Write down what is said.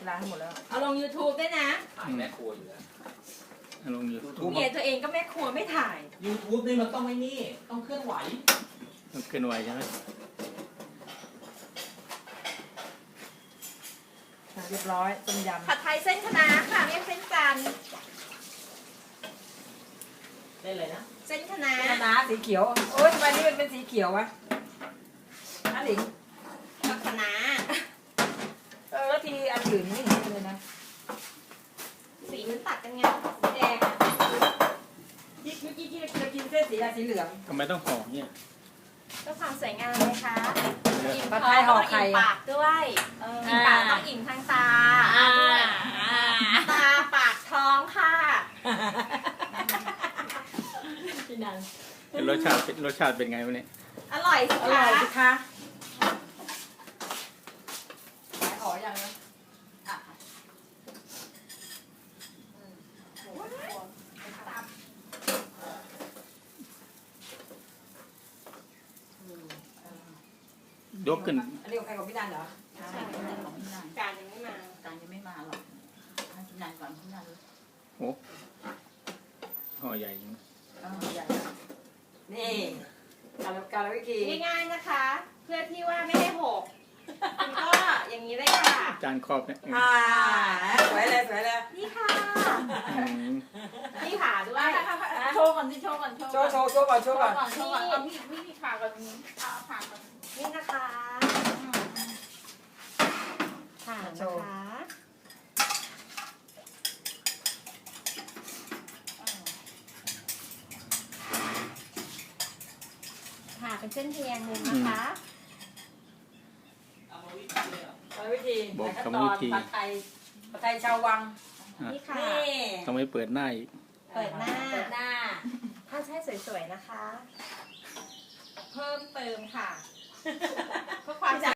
ล้างให้หมดแล้วเอาลง YouTube ด้วยนะถ่ายแม่ครัวอยู่แล้วลง YouTube เมียตัวเองก็แม่ครัวไม่ถ่าย YouTube นี่มันต้องไม่นี่ต้องเคลื่อนไหวต้องเคลื่อนไหวใช่ไหมเรียบร้อยต้มยำผัดไทยเส้นคะน้าค่ะเรียกเส้นจันทร์ได้เลยนะเส้นคะน้าคะน้าสีเขียวโอ๊ยทำไมนี่มันเป็นสีเขียววะน้าหลิงผัดคะน้าแล้วทีอันอื่นไม่เห็นเลยนะสีมันตัดกันไงแดงที่เมื่อกี้ที่เรากินเส้นสีอะไรสีเหลืองทำไมต้องห่อเนี่ยก็ความสวยงามเลยค่ะอิ่มผัดท้ไทองยห่อแล้วก็ไข่อิ่มปากด้วยอิ่มปากต้องอิ่มทางตาด้วยตาปากท้องค่ะพี่นันรสชาติเป็นไงวะเนี่ยอร่อยสิอร่อยคะสิคะขายห่อยังนะยกขึ้นอันนี้ของใครของพี่นันเหรอใช่เป็นของพี่นันการยังไม่มาการยังไม่มาหรอกให้พี่นันก่อนพี่นันโอ้ห่อใหญ่จริงใหญ่นี่การวิธีง่ายๆนะคะ เพื่อที่ว่าไม่ให้หกคุณก็อย่างนี้เลยค่ะจานครอบเนี่ยสวยเลยสวยเลยนี่ค่ะอืมนี่ผ่าด้วยโชว์ก่อนที่โชว์ก่อนโชว์ก่อนโชว์ก่อนโชว์ก่อนเอามีดผ่าก่อนเอาผ่าก่อนนี่นะคะผ่านะคะผ่าเป็นเส้นเทียงมุมนะคะเอามาวิธีเลยเหรอการวิธีบอกกรรมวิธีผัดไทยชาววังนี่ค่ะนี่ทำไมเปิดหน้าอีกเปิดหน้าเปิดหน้าถ้าใช่สวยๆนะคะ เพิ่มเติมค่ะ เพื่อความ